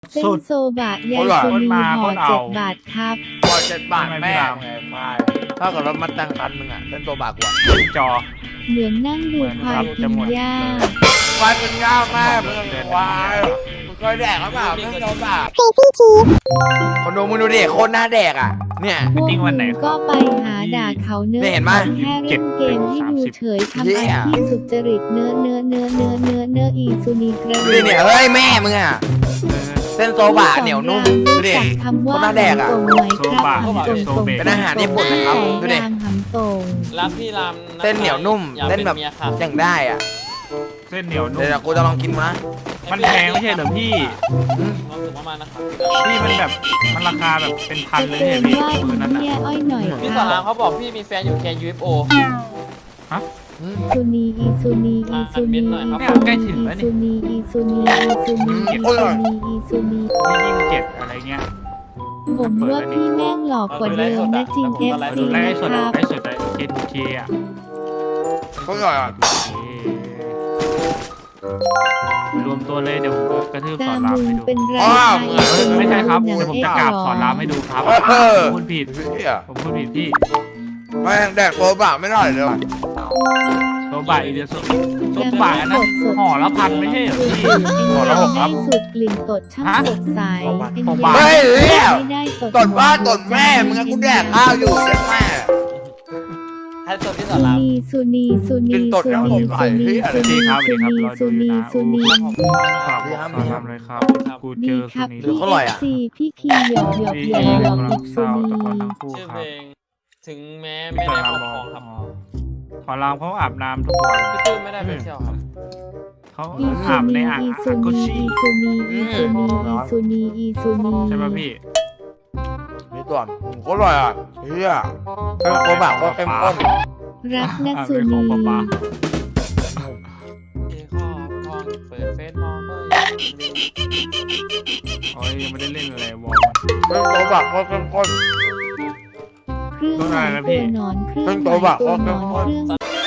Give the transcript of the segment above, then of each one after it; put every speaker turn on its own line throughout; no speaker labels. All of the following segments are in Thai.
เส้น
สุด
โซบะยายสุนีห่อ7 บาทครับ
พอ7 บาทแม่ไงไม่ถ้ากับรถมาตั้งคันนึงอ่ะเป็นตัวบากกว่า
จอ
เหมือนนั่งดูควายกินหญ้า
ควายเป็นง่าแม่มึงควายมึงเคยแดกหรือเปล่าเป็นตัวบากคนดูมึงดูดิโคตรหน้าแดกอ่ะเนี่ย
พวกมึงก็ไปหาด่าเขาเนื้อ
เนี่ยเห็นไหม
แค่เล่นเกมให้ดูเฉยทำอาชีพสุจริตเนื้ออีซูนีกระ
ดูดิเนี่ยเฮ้ยแม่มึงอ่ะเส้นโซบะเหนียวนุ่มดูดิ
จากคำว่า
คนหน้าแดกอะ
หำตรงไหมครับหำตรงตรง
เป็นอาหารญี่ปุ่นนะครับดูดิ
รามหำตรง
รักพี่ราม
เส้นเหนียวนุ่ม
อยาก
เส้น
เป็น
แบบ
เมียค่ะ
อย่างได้อ่ะ
เส้นเหนียวนุ่
เดี๋
ม
ยวกูจะลองกินมา
มันแพงไม่ใช่เหรอพี่
ความสุขมากๆนะครับ
พี่มันแบบมันราคาแบบเป็นพัน
จะ
เลย
เตื
เนี่
อย น
พี่
ว่า
มือนั้น
เมีย
อ่ะ
อ้อยหน่อย
พี่
ค
สอ
รั
ราม
บ
เขาบอกพี่มีแฟนอยู่แคน UFO
ซูนีอีซูนีอีซูนี
เนี่ยใกล้ถึงแล้ว
ซู
นี่
นีอีซูนีอีซูนีอีซูนีอีซูนี
พี่27อะไรเงี้ย
ผมว่าพี่แม่งหลอกกว่าเดิมนะจริง FC
ดูไล่
นะ
สด
ครับ
ไล่สดไอ้เคอ่ะ
เขาหน่อยอ่ะ
รวมตัวเลยเดี๋ยวผมกระทืบ
ตา
สอนราม
มึง
ให้ดู
เป็นไร
ไม่ใช่ครับเดี๋ยวผมจะกราบสอนรามให้ดูครับผมพูดผิด
เฮีย
ผมพูดผิดพี่
แม่งแดกโซบะไม่ได้เลยว่ะ
โซบะอีเดียโซบะอันนั้นห่อละพันไม่ใช่เหรอพี่ห่อละ6ครับ
สุดกลิ่นตดช่างสดใส
เฮ้ยเฮีย
ไม่ได้
ตดบ้านตดแม่มึงอะกูแดกข้าวอยู่เด็กแม่
ให้ตัวพี่สอ
ซู
ราม
นีซูนีซูนีซูนีซูนีซูนีซูนีซูนีซูนี
ฝากบอกสอนรามเลยครับกูเจ
ดี
อ
ครับ
สุนี
พี่ FC พี่คีหยอกหยอกหยอกหยอกอีกซูนี
ชื่อเพลงถึงแม้
ไม่
ไม่
ได้
ได้
ค
ค
ร
ร
อ
อ
บบ ค
ค
ร
ร
อ
อบ งครับ
ขอรามเขาอาบน้ำทุกวัน
พี่ตุ้ยไม่ได้ไปเที่ยวครับ
เขา
อีซู
อาบใน
นี
อ่าง
อีซู
กุ
นี
ชิ
อีซูนีอีซูนีอีซูนีอีซูนี
ใช่ป่ะพี่
นี่ก่อนโคตรอร่อยอ่ะเฮียเส้นโซบะก็เข้มข้น
รักนะ
อาบ
ซู
ในขอ
นี
งป๊าป๊า
พี่ครอบครองเปิดเฟซมองก็
โอ้ยยังไม่ได้เล่นอะไรวอล
เส้นโซบะก็เข้มข้น
เครื่องหมายตัวนอนเครื่องหมายตัวนอนเครื่อง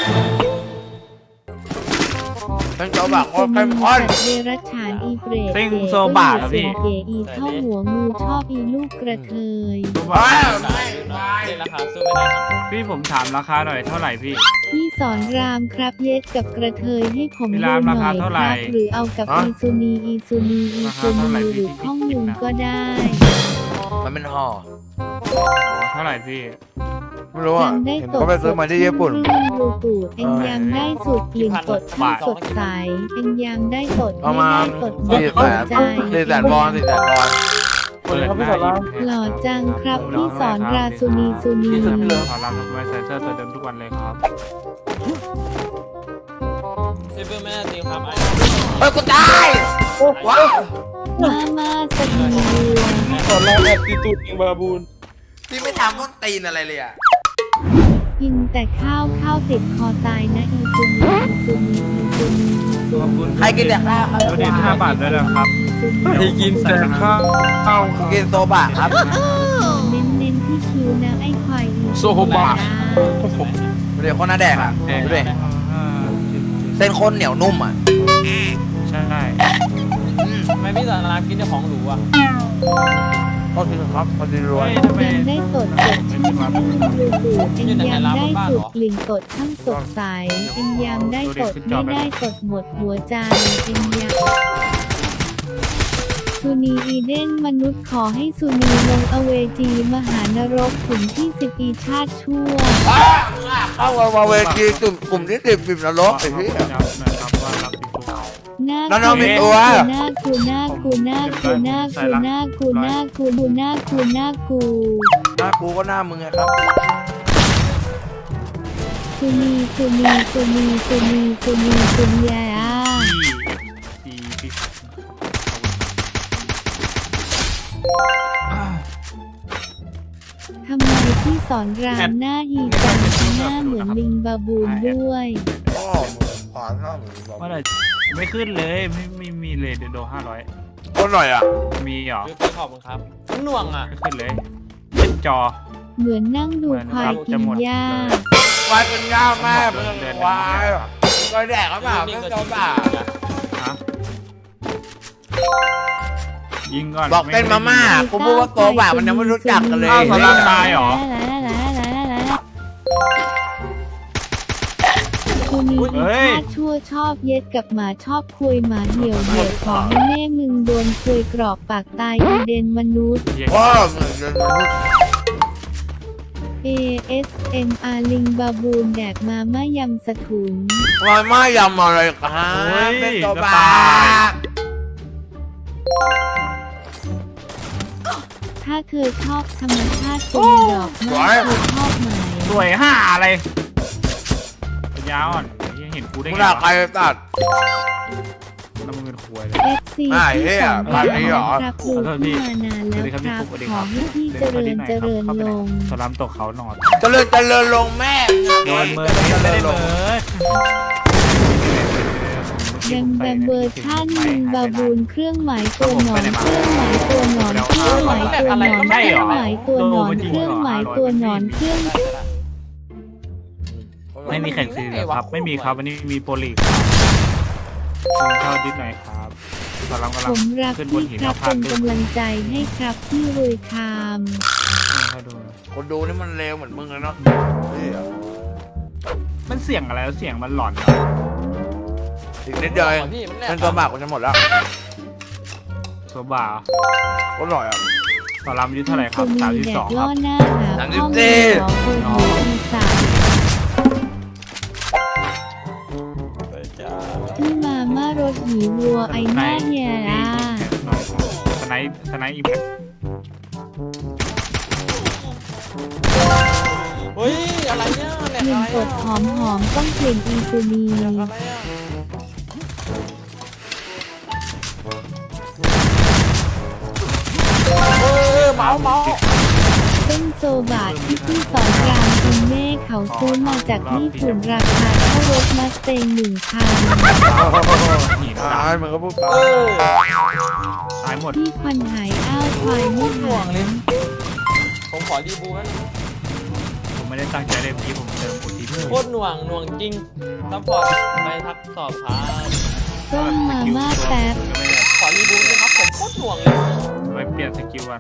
เส้นโซบะก็เข้มข้น
เดรัจฉานอีเปรตเก๋อีเท่าหัวงูชอบอีลูกกระเทย
ว้าว
เล่นราคาสู้ไม่ได้ครับ
พี่ผมถามราคาหน่อยเท่าไหร่พี่
พี่สอนรามครับเย็ดกับกระเทยให้ผม
พี่
ดู
ราม
ห
รา
น่
คา
อย
เท่า
ค
ไหร่
รับหรือเอากับอีซูนีอีซูนีอีซูนีหรือข้องลุงก็ได้
มันเป็นห่อ
เท่าไหร่พี่
ไม่รู้อ่ะ
จำได้
เห็น
ตด
เขาไปซื้อมาที่ญี่ปุ่น
เครื่องบลูทูธเอ็งยังได้สูตรกลิ่นตดช่างสดใสเอ็งยังได้ตด
ประ
ไม่
มา
ได้
ณ
ตดไม่ตดใจ
400,000 วอน400,000 วอน
เปิดหน้ายิ้ม
หล่อจังครับพี่สอนราซูนีซูนี
พี่ขอรามทำไมใส่เสื้อตัวเดิมทุกวันเลยครับ
พี่เพิ่งไม่ได้ตีความไอ้
เฮ้ยกูตายว้าว
มาสกีวัว
ตอนแรกแอบตีตูดเองบาบูน
พี่ไม่ทำต้นตีนอะไรเลยอ่ะ
กินแต่ข้าวติดคอตายนะอีซูนีอีซูนีอีซูนีอีซู
ขอบ
นี
คุณ
ใครกินแต่ข้าว
โดเนท5 บาทด้วยนะครับ
ให้กินแต่ข้าว
กินโซบะครับ
เน้นที่คิวนะไอ้ควายอี
โซบะ
ดูดิคนหน้าแดกอ่ะดูดิเส้นข้นเหนียวนุ่มอ่ะ
ใช่
ทำไมพี่สอนรามกินแต่ของหรูอ่ะ
ก็จริงครับพอดีรวย
ทำไม
ยังได้ตดสดช่างช่างบลูทูธเอ็งยังได้สูตรกลิ่นตดช่างสดใสเอ็งยังได้ตดไม่ได้ตดหมดหัวใจเอ็งยังซูนีอีเดนมนุษย์ขอให้ซูนีลงอเวจีมหานรกขุมที่10ปีชาติชั่ว
เข้ามาเวทีกลุ่มที่10บิบนรกไอ้พี่
นะครับว่ารับพี่ฟุ๊ก
น่า
น้องๆมีตัว
น่ากูน่ากูน่ากูน่ากูน่ากูน่ากูน่ากูน่ากู
หน้ากูก็หน้ามึงไงครับ
ซูนีซูนีซูนีซูนีซูนีซูนียา
พี่
ทำไมพี่สอนรามหน้าฮีจังหน้าเหมือนลิงบาบูนด้วย
พ่อมึงขวานหน้ามึงบอก
เมื่อไหร่ไม่ขึ้นเลยไม่มีเลยเดี๋ยวโด500
ก็หน่อยอ่ะ
มีเหรอ
พี่ขอบคุณครับทั้งหน่วงอ่ะ
ไม่ขึ้นเลยเล่นจอ
เหมือนนั่งดูควายกินหญ้า
ควายเป็นง่าแม่มึงควายก็แดกหรือเปล่าเส้นโซบะ
ฮะยิงก่อน
บอกเต้นมาม่ากูพูดว่าโตบ่ามันยังไม่รู้จักกันเลย
อ้าวสลามตายเหรอ
กูมีอีชาติชั่วชอบเย็ดกับหมาชอบคุยหมาเหี่ยวขอให้แม่มึงโดนคุยกรอบปากตายอีเดนมนุษย์
พ่อมึงจะรู้
ASMR ลิงบาบูนแดกมาม่ายำสะถุน
ว่าไม่ยำอะไรครับเป็นโตบ่า
ถ้าเธอชอบธรรมชาติเป็นดอกไม้เธอชอบไหม
สวยห่าอะไรปัญญาอ่อนยังเห็นกูได้
มึง
ไง
ด่าว
ะ
ใครตัด
น้ำมือควยเลย
FC ที่สองครับดูที่มานานแล้วครับขอให้พี่เจริญลง
สลามตกเขาหนอน
เจริญลงแม่
โดนเมิร์ดไม่ได้เมิร์ด
ยังแบบเวอร์ชันลิงบาบูนเครื่องหมายตัวหนอนเครื่องหมายตัวหนอนเครื่องหมายตัวหนอนเครื่องหมายตัวหนอนเครื่องหมายตัวหนอนเครื่อง
ไม่มีแข่งซีเลยครับ ไม่มีครับวันนี้มีโปรลีกเข้าดิสหน่อยครับสลามกำลั
ผ
ง
มรัก
ขึ้นบน
พี่
หิน
ครับ
พา
เป็น
ดด้วย
กำลังใจให้ครับพี่รวยคาม
เข้าดู
คนดูนี่มันเลวเหมือนมึงเลยเนาะ
มันเสียงอะไรเสียงมันหลอน
อีกนิดเดียวเอง
พี่มันแหล
เป็นตัวบากกูจะหมดแล้ว
โซบ่า
ก็หน่อยอ่ะ
สลามอายุเท่าไหร่ครับ
แดก
32ค
ล่
รั
อบ หน้าหา
สามสิ
ข้
บ
อ
สี่
มูลของคนอีสานที่มาม่ารถหีวัวไอหน้าเฮียร่า
สไนอีแพค
เฮ้ยอะไรเนี่ยแหลก
กลิ่
อะ
น
ไร
กดหอมต้องกลิ่นอีซูนี
อะไรอ่ะเมา
เส้นโซบะที่พี่สอนรามคุณแม่เขาซื้อมาจากญี่ปุ่นราคาเท่ารถมาสเตง1,000
หิน
ตายมึงก็พูดไป
ตายหมด
พี่ควันหายอ้าวควายไม่
ห่ว
หาง
เลย ผมขอดีบูนั่น
ผมไม่ได้ตั้งใจเลยเมื่อกี้ผมเติมโอที
โคตรหน่วงจริงซัพพอร์ตไปทักสอบครับ
ต้มมาม่าแป๊บ
ขอรีบูด้วยครับผมโคตรหน่วงเลย
ไปเปลี่ยนสกิลวัน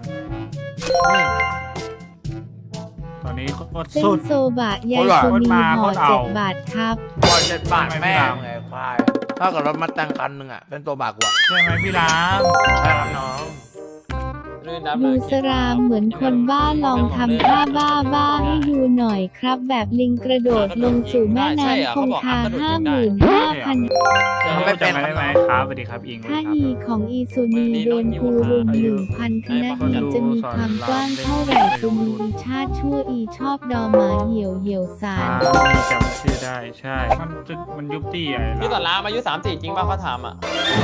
ตอนนี้โคตร
เส้น
สุด
โซบะยายซูนีห่อ7 บาทครับ
พอ7 บาทแม่งไงควายถ้ากับรถมาแต่งคันหนึ่งอ่ะเป็นตัวบากกูอ่ะ
ใช่ไหมพี่ราม
ใช่ครับน้อง
ดูสรามเหมือนคนบ้าลองทำท่าบ้าให้ดูหน่อยครับ แบบลิงกระโดดลงสู่แม่น้ำคงคา 55,000
ไม่เป็นได้ไหมครับสวัสดีครับอิง
ถ้าฮีของอีซูนีโดนคูรุม 1,000 คณะฮีจะมีความกว้างเท่าไหร่ซูนีอีชาติชั่วอีชอบดอหมาเหี่ยวสาร
จำชื่อได้ใช่มันยุบตี้อะไร
พี่สอนรามอายุ34จริงป่ะเขาถามอ่ะ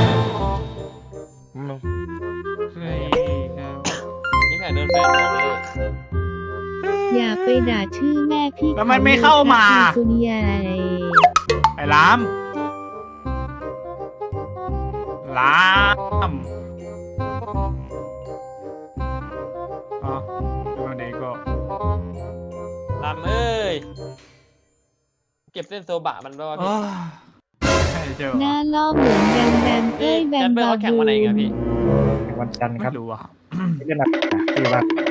นี่แผนเดินแฟนบอกเลย
อย่าไปด่าชื่อแม่พี่
แล้วมันไม่เข้ามา
อีซูนีอะไร
ไอ้รามอ๋อวันนี้ก็
รามเอ้ย เก็บเส้นโซบะมันด้วยพี่
เจอ
หน้าล่อเหมือนแบมแบมเอ้ยแบ
แจ
ม
นเบอร์
บา
เขาแข่ง
บู
วันไหนกันพี่
วันจันทร์ค
ไม่
รับ
รู้อ่ะ
ไม่เป็นไรคือว่า